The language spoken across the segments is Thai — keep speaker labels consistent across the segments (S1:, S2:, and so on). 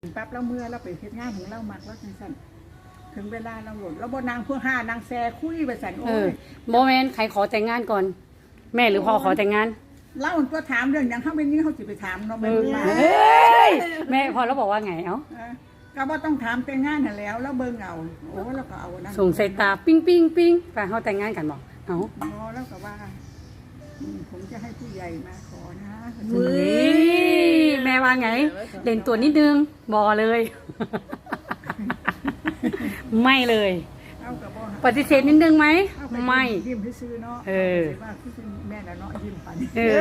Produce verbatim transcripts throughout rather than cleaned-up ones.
S1: ปั๊บเราเมื่อเราไปเฮ็ดงานของเรามักแล้วจังซั่นถึงเวลาเราหลุดเราบ่นางเพื่อห้านางแซ่คุยไปซั่นโอ้
S2: เออย โมเมนต์ใครขอแต่งงานก่อน แม่หรือพ่อขอแต่งงาน
S1: เล่าตัวถามเรื่องหยังเฮาเป็นนี่เฮาสิไปถามเนาะ
S2: เอ
S1: แม่น
S2: อ
S1: ว่า
S2: เฮ้ยแม่พอแล้วบอกว่าไงเอ้า
S1: เออก็บ่ต้องถามแต่งงานนั่นแล้วแล้วเบิ่งเอาโอ้แล้วก็เอานะ
S2: ส่งสายตาปิ้งปิ้งปิ้งไปเขาแต่งงานกันบอกเอ้า
S1: อ๋อแล้วก็ว่าอืมผมจะให้ผู้ใหญ่มาขอนะ
S2: เฮ้ยแม่ว่าไงเด่นตัวนิดนึงบอเลย ไม่เลย
S1: เอาก็บ่
S2: ปฏิเสธนิดนึงไหม
S1: เอาป
S2: ไม่
S1: ยิ้มซื่อๆเนาะ
S2: เออ
S1: าไปว่าคือแม่น่ะเนาะยิ้มปัน
S2: เอ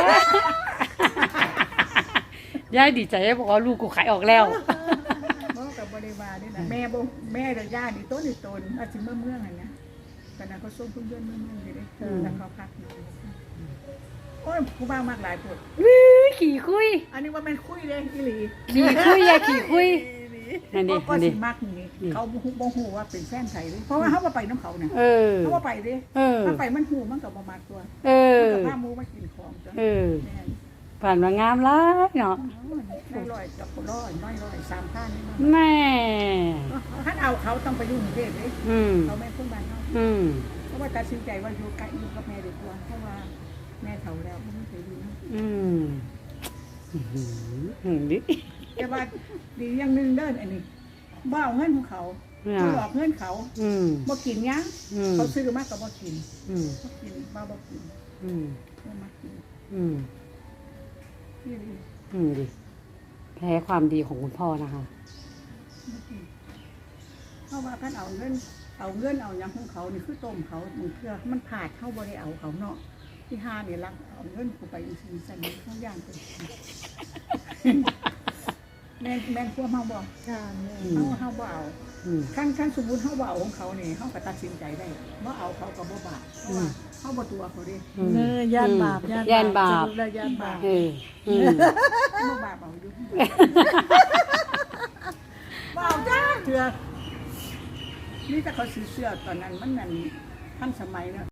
S2: อย่ าดีใจบอกว่าลูกกูขายออกแล้ว
S1: บ่กับบริวารนี่นะแม่บ่แม่กับย่านี่ต้นนี่ตนอาจสิเมื่อเมืองหั่นนะตอนนั้นเขาส่งเพื่อนๆเมืองๆอยู่เด้
S2: อืม
S1: แล้วเขาพักอยู่โอ้ยกูบ้ามากหลายปวด
S2: วิขี่คุย
S1: อันนี้ว่าแม่นคุยเด้อีหลี
S2: ขี่คุยอย่าขี่คุยนั่นดิ
S1: ก็
S2: นั่น
S1: สิ
S2: ดิ
S1: มักนี่
S2: นี่
S1: เขาบ่ฮู้บ่ฮู้ว่าเป็นแฟนไผเด้เพราะว่าเฮาบ่ไปน้ำเขาน่ะ
S2: เออ
S1: เฮาบ่ไปเด้
S2: เออ
S1: ถ้าไปมันฮู้มันก็บ่มักตัว
S2: เออ
S1: มันก็พาหมู่มากินของจ้ะ
S2: เออ
S1: แม่น
S2: ผ่านมางามร้ายเนาะ
S1: ได้ร้อยกับร้อยน้อยร้อยสามพันนี่
S2: แม่
S1: ถ้าเอาเขาต้องไปอยู่กรุงเทพเด้
S2: อืม
S1: เขาแม่นคนบ้านเฮา
S2: อืม
S1: เพราะว่าตัดสินใจว่าอยู่ใกล้อยู่กับแม่ดีกว่าเพราะว่าแม่เฒ่าแล้วไม่เคยอยู่นะ
S2: อืมอื้อหือหือดิ
S1: แต่ว่าดีอย่างหนึงเด้ออันนี้บ่เอาเงินของเขาบ่หลอกเงินเขา
S2: อืม
S1: บ่กินหยัง
S2: อืม
S1: เขาซื้อมาก็บ่กิน
S2: อืม
S1: บ่กินบ่บ่กิน
S2: อืม
S1: บ่มากิน
S2: อืม
S1: นี่เลย
S2: อืมดิแพ้ความดีของคุณพ่อนะคะ
S1: บ่กินเพราะว่าคันเอาเงินเอาเงินเอาหยังของเขานี่คือต้มเขาบางเทื่อมันพลาดเฮาบ่ได้เอาเขาเนาะที่ห้านี่ลักเอาเงินกูไปอีสิซั่นนี่เขาย่างเป็นแม่นแม่นควเฮาบ่
S3: ค่ะแม่
S1: เฮาเฮาบ่เอา
S2: อืม
S1: ขั้นขั้นสมมุติเฮาบ่เอาของเขานี่เฮาก็ตัดสินใจได้บ่เอาเขาก็บ่บาปเพราะว่าเฮาบ่ตัวเขาเด้
S2: อืม
S3: เนยย่านบาป
S2: ย่านบาป
S3: สรุปแล้วย่านบาป
S2: เอออืม
S1: บ่บาปเอาอยู่บ่เอาจ้าเถื่อนี่แต่เขาซื้อเสื้อตอนนั้นมันนั่นทันสมัยเนาะ